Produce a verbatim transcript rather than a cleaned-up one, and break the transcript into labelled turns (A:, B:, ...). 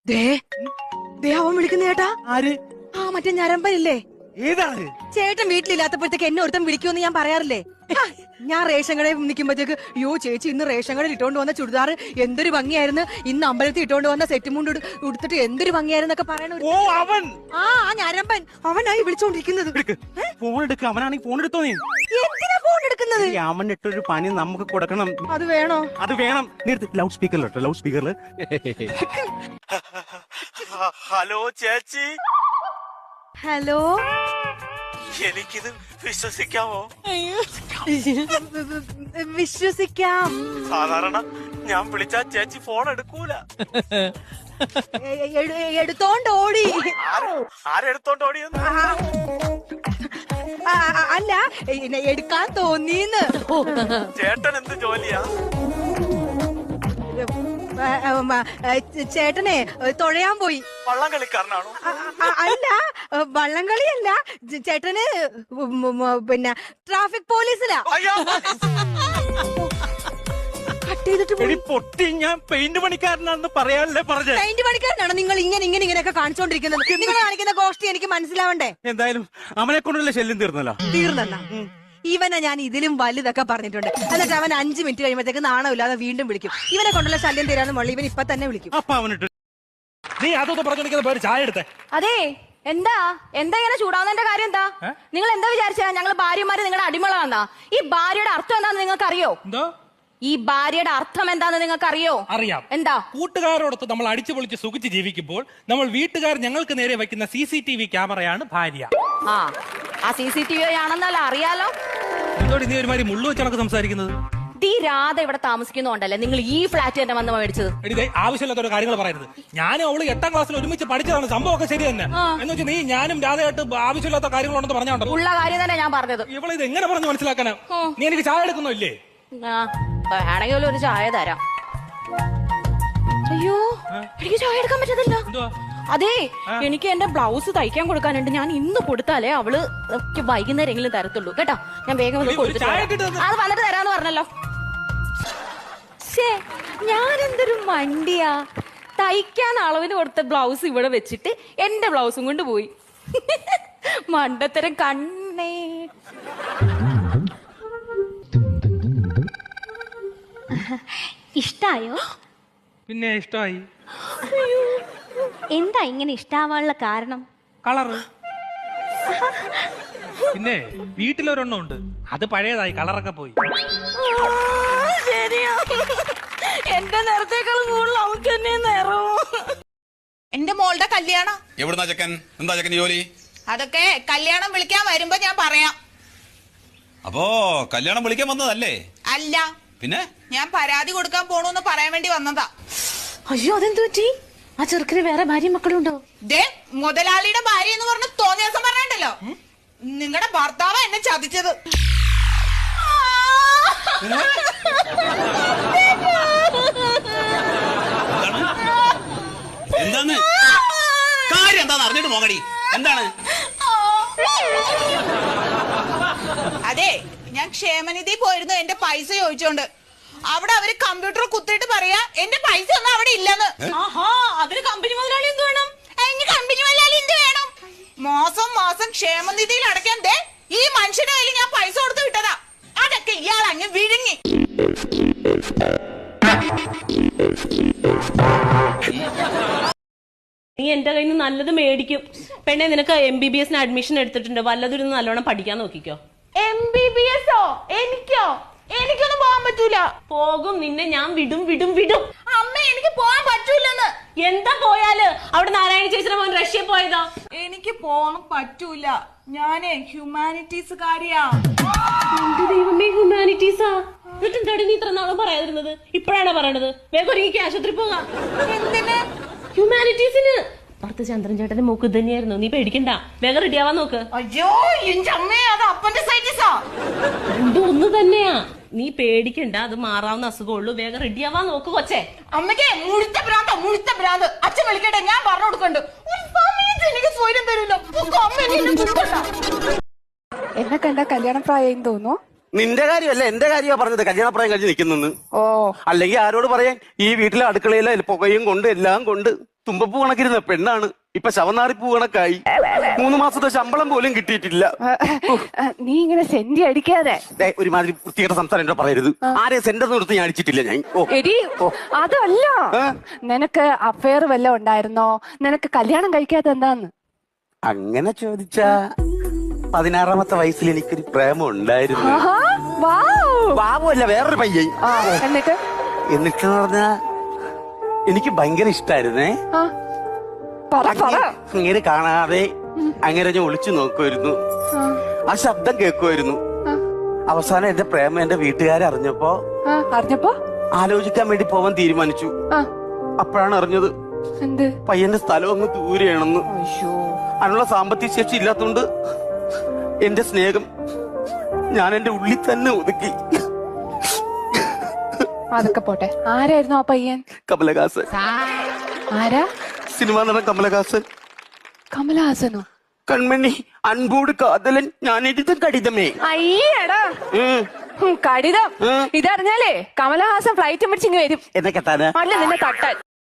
A: അവൻ വിളിക്കുന്ന ചേട്ടാ.
B: ആര്?
A: ആ മറ്റേ ഞരമ്പനില്ലേ?
B: ഏതാണ്?
A: ചേട്ടൻ വീട്ടിലില്ലാത്തപ്പോഴത്തേക്ക് എന്നെ ഒരുത്തം വിളിക്കുമെന്ന് ഞാൻ പറയാറില്ലേ? ഞാൻ റേഷൻ കടയിൽ നിൽക്കുമ്പോഴത്തേക്ക് യോ ചേച്ചി ഇന്ന് റേഷൻ കടയിൽ ഇട്ടോണ്ട് വന്ന ചുരിദാർ എന്തൊരു ഭംഗിയായിരുന്നു, ഇന്ന് അമ്പലത്തിൽ ഇട്ടോണ്ട് വന്ന സെറ്റ് മുണ്ട് ഉടുത്തിട്ട് എന്തൊരു ഭംഗിയായിരുന്നൊക്കെ പറയണ.
B: ഓ അവൻ.
A: ആ ആ ഞരമ്പൻ അവനായി വിളിച്ചോണ്ടിരിക്കുന്നത്.
B: ഫോൺ എടുക്ക. അവനാണെങ്കിൽ ഫോൺ എടുത്തോ. നീ
A: എന്തിനാ ഫോൺ എടുക്കുന്നത്?
B: അവൻ ഇട്ടൊരു പണി നമുക്ക് കൊടുക്കണം.
A: അത് വേണോ?
B: അത് വേണം. ലൗഡ് സ്പീക്കറിലോട്ടോ, ലൗഡ് സ്പീക്കറിൽ. ഹലോ ചേച്ചി.
A: ഹലോ.
B: എനിക്കിത് വിശ്വസിക്കാമോ?
A: വിശ്വസിക്കാം.
B: സാധാരണ ഞാൻ വിളിച്ചാ ചേച്ചി ഫോൺ എടുക്കൂല.
A: എടുത്തോണ്ട് ഓടി.
B: ആരെടുത്തോണ്ട് ഓടിയെന്ന്?
A: അല്ല, എടുക്കാൻ തോന്നിന്ന്.
B: ചേട്ടൻ എന്ത് ജോലിയാ?
A: ചേട്ടനെ തൊഴയാൻ പോയി.
B: വള്ളം കളിക്കാരനാണോ?
A: അല്ല, വള്ളം കളിയല്ല. ചേട്ടന് പിന്നെ ട്രാഫിക് പോലീസിലാ.
B: പൊട്ടി ഞാൻ പെയിന്റ് പണിക്കാരനാണെന്ന് പറയാനല്ലേ പറഞ്ഞത്.
A: പെയിന്റ് പണിക്കാരനാണോ നിങ്ങൾ ഇങ്ങനെ ഇങ്ങനെ ഇങ്ങനെയൊക്കെ കാണിച്ചോണ്ടിരിക്കുന്നത്? നിങ്ങൾ കാണിക്കുന്ന ഗോഷ്ടി എനിക്ക് മനസ്സിലാവണ്ടേ?
B: എന്തായാലും അവനെ കൊണ്ടുള്ള ശല്യം തീർന്നല്ലോ.
A: തീർന്നല്ല. ഇവനെ ഞാൻ ഇതിലും വലുതൊക്കെ പറഞ്ഞിട്ടുണ്ട്. എന്നിട്ട് അവൻ അഞ്ചു മിനിറ്റ് കഴിയുമ്പോഴത്തേക്ക് നാണമില്ലാതെ വീണ്ടും വിളിക്കും. ഇവനെ കൊണ്ടുള്ള ശല്യം തീരാന്ന് മുള്ള ഇവൻ ഇപ്പൊ തന്നെ വിളിക്കും.
B: അപ്പൊ അവനിട്ട് നീ അതൊക്കെ പറഞ്ഞോണ്ടിരിക്കുന്ന പേര് ചായ എടുത്തേ.
C: അതെ, എന്താ എന്താ ഇങ്ങനെ ചൂടാവുന്നതിന്റെ കാര്യം എന്താ? നിങ്ങൾ എന്താ വിചാരിച്ചാ ഞങ്ങൾ ഭാര്യമാര് നിങ്ങളുടെ അടിമകളാന്നാ? ഈ ഭാര്യയുടെ അർത്ഥം എന്താന്ന് നിങ്ങൾക്ക് അറിയോ?
D: എന്തോ?
C: ഈ ഭാര്യയുടെ അർത്ഥം എന്താന്ന് നിങ്ങൾക്ക് അറിയോ?
D: അറിയാം.
C: എന്താ?
D: കൂട്ടുകാരോടൊത്ത് നമ്മൾ അടിച്ചു പൊളിച്ച് സുഖിച്ച് ജീവിക്കുമ്പോൾ നമ്മൾ വീട്ടുകാർ ഞങ്ങൾക്ക് നേരെ വെക്കുന്ന സി സി ടി വി ക്യാമറയാണ് ഭാര്യ.
C: ആ ആ സി സി ടി വി ആണെന്നല്ല അറിയാലോ.
D: എന്തോടി നീ ഒരുമാതിരി മുള്ളു വെച്ചാണ് സംസാരിക്കുന്നത്?
C: ഈ രാധ ഇവിടെ താമസിക്കുന്നുണ്ടല്ലേ നിങ്ങൾ ഈ ഫ്ലാറ്റ് തന്നെ വന്ന് മേടിച്ചത്?
D: എടി, ആവശ്യമില്ലാത്ത കാര്യങ്ങൾ പറയരുത്. ഞാനും അവള് എട്ടാം ക്ലാസ്സിൽ ഒരുമിച്ച് പഠിച്ചതാണ്. സംഭവമൊക്കെ ശരി തന്നെ. എന്ന് വെച്ചാൽ നീ ഞാനും രാധയായിട്ട് ആവശ്യമില്ലാത്ത കാര്യങ്ങളുണ്ടെന്ന് പറഞ്ഞോണ്ടോ?
C: ഉള്ള കാര്യം തന്നെ ഞാൻ പറഞ്ഞത്.
D: ഇവളെ ഇത് എങ്ങനെ പറഞ്ഞു മനസ്സിലാക്കാനാ? നീ എനിക്ക് ചായ എടുക്കുന്നോ ഇല്ലേ?
C: വേണമെങ്കിൽ ഒരു ചായ തരാം. അയ്യോ, എനിക്ക് ചായ എടുക്കാൻ പറ്റത്തില്ല. അതെ, എനിക്ക് എന്റെ ബ്ലൗസ് തയ്ക്കാൻ കൊടുക്കാനുണ്ട്. ഞാൻ ഇന്ന് കൊടുത്താലേ അവള് വൈകുന്നേരം എങ്കിലും തരത്തുള്ളൂ കേട്ടോ. ഞാൻ വേഗം അത് വന്നിട്ട് തരാന്ന് പറഞ്ഞല്ലോ. ഞാൻ എന്തൊരു മണ്ടിയാ, തയ്ക്കാൻ അളവിന് കൊടുത്ത ബ്ലൗസ് ഇവിടെ വെച്ചിട്ട് എന്റെ ബ്ലൗസും കൊണ്ട് പോയി. മണ്ടത്തരം കണ്ണേ.
E: ഇഷ്ടായോ?
D: പിന്നെ ഇഷ്ടമായി.
E: എന്താ ഇങ്ങനെ ഇഷ്ടാവാനുള്ള കാരണം?
D: കളറ്. പിന്നെ വീട്ടിലൊരെണ്ണം ഉണ്ട്, അത് പഴയതായി, കളറൊക്കെ പോയി.
C: ശരിയാ, എന്റെ നിറത്തേക്കാളും കൂടുതൽ അവൾക്ക് തന്നെ നിറവും.
F: എന്റെ മോളുടെ കല്യാണം
G: എവിടുന്നാ ചെക്കൻ? എന്താ ചെക്കൻ ജോലി?
F: അതൊക്കെ കല്യാണം വിളിക്കാൻ വരുമ്പോ ഞാൻ പറയാം.
G: അപ്പോ കല്യാണം വിളിക്കാൻ വന്നതല്ലേ?
F: അല്ല,
G: പിന്നെ
F: ഞാൻ പരാതി കൊടുക്കാൻ പോണൂന്ന് പറയാൻ വേണ്ടി വന്നതാ.
C: അയ്യോ, അതെന്തു പറ്റി? ആ ചെറുക്കിന് വേറെ ഭാര്യ മക്കളുണ്ടോ?
F: ദേ, മുതലാളിയുടെ ഭാര്യ എന്ന് പറഞ്ഞ തോന്നിയ ദിവസം പറഞ്ഞിട്ടല്ലോ, നിങ്ങളുടെ ഭർത്താവ് എന്നെ ചതിച്ചത്.
G: എന്താണ് കാര്യം? എന്താന്ന് അറിഞ്ഞിട്ട് മോങ്ങടി. എന്താണ്?
F: അതെ, ഞാൻ ക്ഷേമനിധി പോയിരുന്നു എന്റെ പൈസ ചോദിച്ചോണ്ട്. അവിടെ അവര് കമ്പ്യൂട്ടർ കുത്തിയിട്ട് പറയാ എന്റെ പൈസ ഒന്നും അവിടെ ഇല്ലെന്ന്.
C: അതിന് കമ്പനി മുതലാളി എന്ത് വേണം?
F: കമ്പനി മുതലാളി എന്ത് വേണം? മാസം മാസം ക്ഷേമനിധിയിൽ അടയ്ക്കാൻ ദേ ഈ മനുഷ്യന്റെ കയ്യിൽ ഞാൻ പൈസ കൊടുത്ത് വിട്ടതാ. അതൊക്കെ ഇയാൾ അങ്ങ് വിഴുങ്ങി.
H: നീ എന്റെ കയ്യിൽ നിന്ന് നല്ലത് മേടിക്കും. പെണ്ണെ, നിനക്ക് എം ബി ബി എസിന് അഡ്മിഷൻ എടുത്തിട്ടുണ്ട്. വല്ലതൊരു നല്ലോണം പഠിക്കാൻ നോക്കിക്കോ.
F: എം ബി ബി എസോ? എനിക്കോ? എനിക്കൊന്നും പോകാൻ പറ്റൂല.
H: പോകും, നിന്നെ ഞാൻ വിടും വിടും വിടും.
F: അമ്മ, എനിക്ക് പോകാൻ പറ്റൂലെന്ന്.
H: എന്താ പോയാല്? അവിടെ നാരായണ ചേച്ചിയുടെ മോൻ റഷ്യ പോയതാ.
F: എനിക്ക് പോകാൻ പറ്റൂല. ഞാനേ ഹ്യൂമാനിറ്റീസ് കാര്യാ.
H: എന്റെ ദൈവമേ, ഹ്യൂമാനിറ്റീസാ? എന്നിട്ടെന്താടി നീ ഇത്ര നാളും പറയാതിരുന്നത്? ഇപ്പഴാണ് പറയണത്. വേഗം ഒരുങ്ങി ആശുപത്രി പോകാം.
F: എന്തിന്?
H: ഹ്യൂമാനിറ്റീസിന്. പുറത്ത് ചന്ദ്രൻ ചേട്ടന്റെ മൂക്ക് തന്നെയായിരുന്നു. നീ പേടിക്കണ്ട, വേഗം റെഡിയാവാൻ നോക്ക്.
F: അയ്യോ, എന്റെ അമ്മേ, അത് അപ്പൻഡിസൈറ്റിസാ.
H: രണ്ടും ഒന്ന് തന്നെയാ. നീ പേടിക്കണ്ട, അത് മാറാവുന്ന അസുഖമുള്ളൂ. വേഗം റെഡിയാവാൻ നോക്ക് കൊച്ചേ.
F: അമ്മയ്ക്ക് മുഴുത്ത ഭ്രാന്ത, മുഴുത്ത ഭ്രാന്ത്. അച്ഛൻ വിളിക്കട്ടെ, ഞാൻ പറഞ്ഞു കൊടുക്കണ്ട്. ഒരു സമയത്ത് എനിക്ക് സ്വയം തരൂല്ലോ.
A: എന്നെ കണ്ട കല്യാണപ്രായം തോന്നുന്നു.
B: നിന്റെ കാര്യമല്ല എന്റെ കാര്യമാ പറഞ്ഞത്. കല്യാണപ്രായം കഴിഞ്ഞ് നിൽക്കുന്നെന്ന്.
A: ഓ,
B: അല്ലെങ്കിൽ ആരോട് പറയാൻ? ഈ വീട്ടിലെ അടുക്കളയിലെ പുകയും കൊണ്ട് എല്ലാം കൊണ്ട്
I: തുമ്പപ്പൂ കണക്കിരുന്ന പെണ്ണാണ് ഇപ്പൊ ശവനാറിപ്പൂ കണക്കായി. മൂന്ന് മാസത്തെ ശമ്പളം പോലും കിട്ടിയിട്ടില്ല.
J: നീ ഇങ്ങനെ സെന്റി അടിക്കാതെ.
I: ദേ, ഒരുമാതിരി വൃത്തികെട്ട സംസാരം എന്നോട് പറയരുത്. ആരെ സെന്റർ നിർത്തി ഞാൻ അടിച്ചിട്ടില്ല ഞാൻ. ഓ
J: എടി അതല്ല, നിനക്ക് അഫയർ വല്ലതും ഉണ്ടായിരുന്നോ? നിനക്ക് കല്യാണം കഴിക്കാത്ത എന്താന്ന്?
I: അങ്ങനെ ചോദിച്ചാ പതിനാറാമത്തെ വയസ്സിൽ എനിക്കൊരു പ്രേമം ഉണ്ടായിരുന്നു.
J: ആഹാ, വൗ.
I: ബാബുവല്ല, വേറൊരു പയ്യൻ.
J: ആ, എന്നിട്ട്
I: എന്നിട്ട് പറഞ്ഞാ എനിക്ക് ഭയങ്കര ഇഷ്ടായിരുന്നേ.
J: ആ, പറ പറ.
I: അങ്ങനെ കാണാതെ അങ്ങനെ ഞാൻ ഒളിച്ചു നോക്കുമായിരുന്നു. ആ ശബ്ദം കേൾക്കുമായിരുന്നു. അവസാനം എന്റെ പ്രേമം എന്റെ വീട്ടുകാരെ അറിഞ്ഞപ്പോ
J: ആ, അറിഞ്ഞപ്പോ
I: ആലോചിക്കാൻ വേണ്ടി പോവാൻ തീരുമാനിച്ചു.
J: ആ,
I: അപ്പോഴാണ് അറിഞ്ഞത്
J: എന്ത്?
I: പയ്യന്റെ സ്ഥലം അങ്ങ് ദൂരെയാണെന്ന്. അതിനുള്ള സാമ്പത്തിക ശേഷി ഇല്ലാത്തോണ്ട് എന്റെ സ്നേഹം ഞാൻ എന്റെ ഉള്ളിൽ തന്നെ ഒതുക്കി.
J: അതൊക്കെ പോട്ടെ, ആരായിരുന്നു ആ പയ്യൻ?
I: കമലഹാസൻ.
J: ആരാ?
I: സിനിമാ നടൻ കമലഹാസൻ.
J: കമലഹാസനോ?
I: കൺമണി അൻപോട് കാതലൻ ഞാൻ എഴുതും കടിതമേ.
J: അയ്യടാ, കടിതം. ഇതറിഞ്ഞാലേ കമലഹാസൻ ഫ്ലൈറ്റ് പിടിച്ചിങ്ങ് വരും.
I: എന്നൊക്കെ തന്നെ
J: അല്ല നിന്നെ തട്ടാൻ.